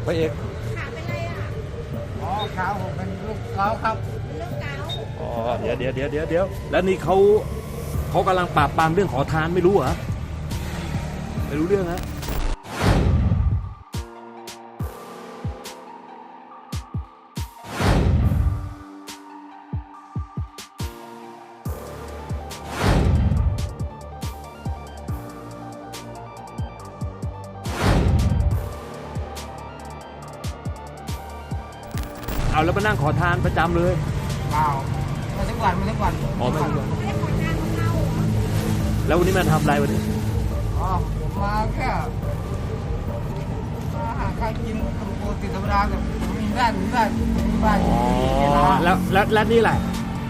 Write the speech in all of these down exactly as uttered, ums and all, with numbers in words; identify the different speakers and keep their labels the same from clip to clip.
Speaker 1: พระเอก
Speaker 2: ขาเป็นไรอ่ะ
Speaker 3: อ๋อขาผมเป็นลูกเกาครับ
Speaker 2: เป็นโรคเกาต์
Speaker 1: อ๋อเดี๋ยวเดี๋ยวเดี๋ยวเดี๋ยวเดี๋ยวแล้วนี่เขาเขากำลังปราบปรามเรื่องขอทานไม่รู้เหรอไม่รู้เรื่องฮะเอาแล้วมานั่งขอทานประจำเลย
Speaker 3: เปล่ามาทุกวันมาทุกวัน
Speaker 1: อ๋อไม่ทุกวัน
Speaker 2: ไม่ได้ขอทานของเราเหรอ
Speaker 1: แล้ววันนี้มาทำอะไรวันนี้
Speaker 3: อ๋อผมมาแค่มาหาข้าวกินปกติธรรมดาแต่ผมมีบ้านมีบ้านมีบ้าน
Speaker 1: อ๋อ
Speaker 3: มีร้าน
Speaker 1: แล้วแล้วแล้วนี่อะไร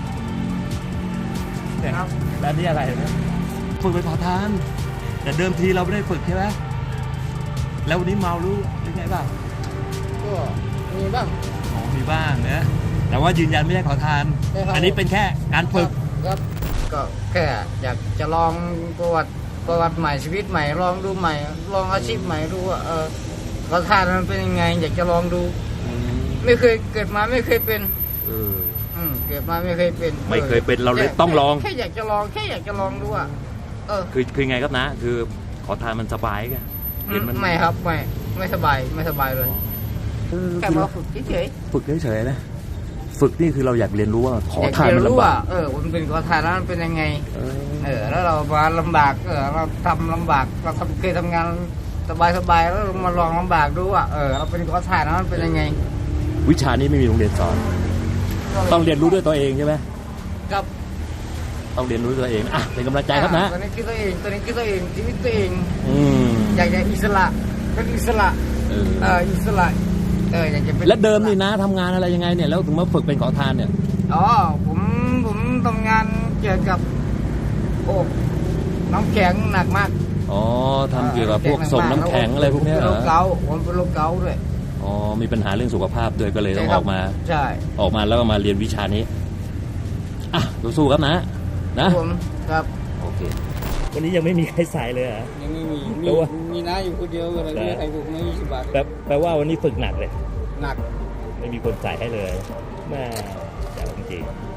Speaker 1: เนี่ย
Speaker 3: ครับ
Speaker 1: แล้วนี่อะไรเนี่ยฝึกไปขอทาน แต่เดิมทีเราไม่ได้ฝึกใช่ไหมแล้ววันนี้เมารู้หรือไงบ้าง
Speaker 3: ก็มีบ้าง
Speaker 1: อ๋อมีบ้างนะแต่ว่ายืนยันไม่ได้ขอทาน
Speaker 3: ใช่ครับ
Speaker 1: อันนี้เป็นแค่การฝึก
Speaker 3: ครับก็แค่อยากจะลองประวัติประวัติใหม่ชีวิตใหม่ลองดูใหม่ ลองอาชีพใหม่ดูว่าเออขอทานมันเป็นยังไง อยากจะลองดู ไม่เคยเกิดมาไม่เคยเป็น
Speaker 1: เออ
Speaker 3: อืมเกิดมาไม่เคยเป็น
Speaker 1: ไม่เคยเป็นเราเลยต้องลอง
Speaker 3: แค่อยากจะลองแค่อยากจะลองดูอ่ะเออ
Speaker 1: คือคือไงครับนะ คือขอทานมันสบายไงเห็นมัน
Speaker 3: ไม่ครับไม่ไม่สบายไม่สบายเลยแค่มาฝึกเฉย
Speaker 1: ฝึกเฉยๆนะฝึกนี่คือเราอยากเรียนรู้ว่าข
Speaker 3: ๆ
Speaker 1: อ
Speaker 3: อยาก
Speaker 1: ทาน
Speaker 3: จะ
Speaker 1: มัน
Speaker 3: รู้
Speaker 1: ลำบา
Speaker 3: ว่าก เออมันเป็นขอทานแล้วมันเป็นยังไง
Speaker 1: เออ
Speaker 3: เออแล้วเรามาลำบากเออเราทำลำบากเราทำเคยทำงานสบายๆแล้วเรามาลองลำบากดูว่าเออเราเป็นขอทานแล้วมันเป็นยังไง
Speaker 1: วิชานี้ไม่มีโรงเรียนสอน ต้องเรียนรู้ด้วยตัวเองใช่ไหม
Speaker 3: กับ
Speaker 1: ต้องเรียนรู้ด้วยตัวเองอ่ะเป็นกำลังใจครับนะ
Speaker 3: ตัวนี้คือตัวเองตัวนี้คือตัวเองชีวิตตัวเอง
Speaker 1: อืม
Speaker 3: อยากจะอิสระเป็นอิสระ
Speaker 1: เออ
Speaker 3: เอออิสระเอออยากจะเป็น
Speaker 1: แล้วเดิมนี่นะทำงานอะไรยังไงเนี่ยแล้วถึงมาฝึกเป็นขอทานเนี่ย
Speaker 3: อ๋อผมผมทำงานเกี่ยวกับโอ้น้ำแข็งหนักมาก
Speaker 1: อ๋อทำเกี่ยวกับพวกส่งน้ำแข็งอะไรพวกเนี้ย
Speaker 3: เป็น
Speaker 1: เหร
Speaker 3: โร
Speaker 1: อ
Speaker 3: คเกาต์ผมเป็นโรคเกาต์ด้วย
Speaker 1: อ๋อมีปัญหาเรื่องสุขภาพด้วยก็เลยต้อง
Speaker 3: ใช่ค
Speaker 1: อ
Speaker 3: รับ
Speaker 1: อกมา
Speaker 3: ใช่
Speaker 1: ออกมาแล้วก็มาเรียนวิชานี้อ่ะสู้ๆครับนะนะ
Speaker 3: ผมครับ
Speaker 1: โอเควันนี้ยังไม่มีใครใส่เลยเหรอ
Speaker 3: ยังไม่มี
Speaker 1: แปลว่า
Speaker 3: มีน้าอยู่คนเดียวอะไรไม่ใครถูกไม่ยี่สิบบาท
Speaker 1: แปลแปลว่าวันนี้ฝึกหนักเลย
Speaker 3: หนัก
Speaker 1: ไม่มีคนใส่ให้เลยแม่จ๋าจริงๆ